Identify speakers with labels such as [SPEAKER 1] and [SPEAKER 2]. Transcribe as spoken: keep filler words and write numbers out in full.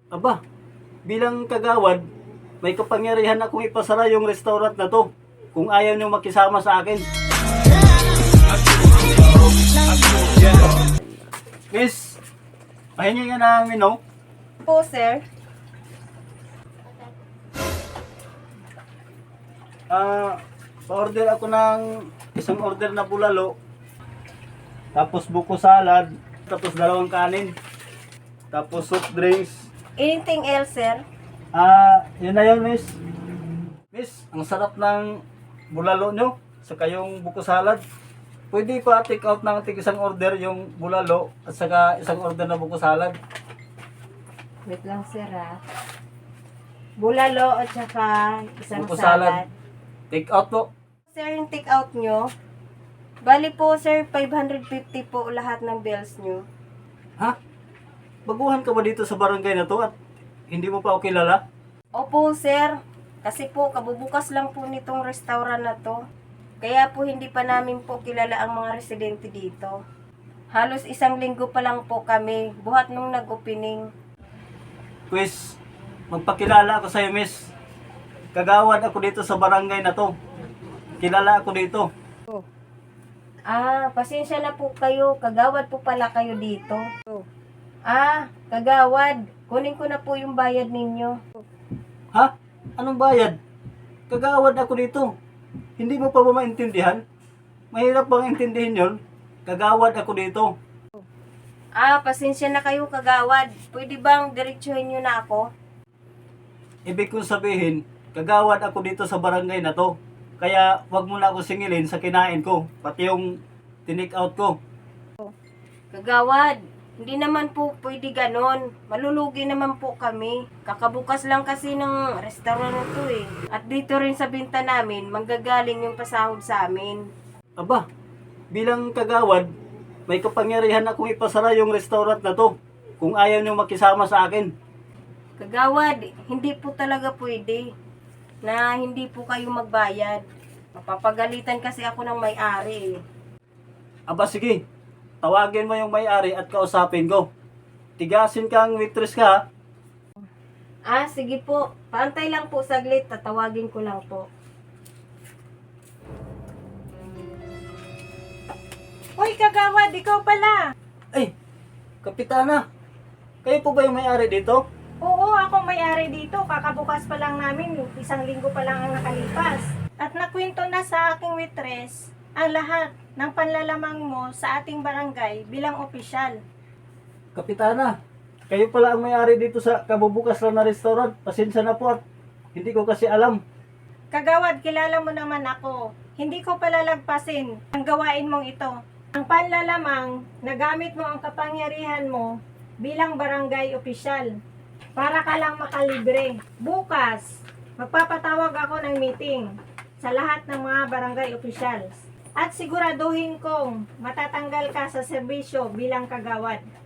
[SPEAKER 1] Aba, bilang kagawad, may kapangyarihan akong ipasara yung restaurant na to kung ayaw nyo makisama sa akin. Miss, pahingi nga namin, no?
[SPEAKER 2] Po, sir.
[SPEAKER 1] Ah, pa-order ako ng isang order na bulalo, tapos buko salad, tapos dalawang kanin, tapos soft drinks.
[SPEAKER 2] Anything else, sir?
[SPEAKER 1] Ah, yun na yun, miss. Miss, ang sarap ng bulalo nyo, saka yung buko salad. Pwede pa take out ng tig isang order yung bulalo at saka isang order na buko salad.
[SPEAKER 2] Wait lang, sir, ha? Bulalo at saka isang
[SPEAKER 1] Buko
[SPEAKER 2] salad.
[SPEAKER 1] salad. Take out po.
[SPEAKER 2] Sir, yung take out nyo, bali po, sir, five hundred fifty po lahat ng bills nyo.
[SPEAKER 1] Ha? Baguhan ka ba dito sa barangay na to at hindi mo pa ako kilala?
[SPEAKER 2] Opo, sir. Kasi po, kabubukas lang po nitong restaurant na to. Kaya po, hindi pa namin po kilala ang mga residente dito. Halos isang linggo pa lang po kami, buhat nung nag-opening.
[SPEAKER 1] Quiz, magpakilala ako sa'yo, miss. Kagawad ako dito sa barangay na to. Kilala ako dito.
[SPEAKER 2] Ah, pasensya na po kayo. Kagawad po pala kayo dito. Ah, kagawad. Kunin ko na po yung bayad ninyo.
[SPEAKER 1] Ha? Anong bayad? Kagawad ako dito. Hindi mo pa ba maintindihan? Mahirap bang intindihin yon? Kagawad ako dito.
[SPEAKER 2] Ah, pasensya na kayo, kagawad. Pwede bang diretsuhin nyo na ako?
[SPEAKER 1] Ibig kong sabihin, kagawad ako dito sa barangay na to. Kaya wag mo na ako singilin sa kinain ko, pati yung tinik out ko.
[SPEAKER 2] Kagawad, hindi naman po pwede ganon. Malulugi naman po kami. Kakabukas lang kasi ng restaurant na to eh. At dito rin sa binta namin, manggagaling yung pasahod sa amin.
[SPEAKER 1] Aba, bilang kagawad, may kapangyarihan akong ipasara yung restaurant na to kung ayaw nyo makisama sa akin.
[SPEAKER 2] Kagawad, hindi po talaga pwede na hindi po kayo magbayad. Mapapagalitan kasi ako ng may-ari eh.
[SPEAKER 1] Aba sige, tawagin mo yung may-ari at kausapin ko. Tigasin kang waitress ka ha.
[SPEAKER 2] Ah, sige po. Paantay lang po saglit. Tatawagin ko lang po.
[SPEAKER 3] Hoy, kagawad, ikaw pala.
[SPEAKER 1] Ay, kapitana, kayo po ba yung may-ari dito?
[SPEAKER 3] Oo, ako may-ari dito. Kakabukas pa lang namin. Isang linggo pa lang ang nakalipas. At nakwento na sa aking waitress ang lahat ng panlalamang mo sa ating barangay bilang opisyal.
[SPEAKER 1] Kapitana, kayo pala ang may-ari dito sa kabubukas lang na restaurant. Pasensya na po at hindi ko kasi alam.
[SPEAKER 3] Kagawad, kilala mo naman ako. Hindi ko palalagpasin ang gawain mong ito. Ang panlalamang, nagamit mo ang kapangyarihan mo bilang barangay opisyal para ka lang makalibre. Bukas, magpapatawag ako ng meeting sa lahat ng mga barangay officials at siguraduhin kong matatanggal ka sa serbisyo bilang kagawad.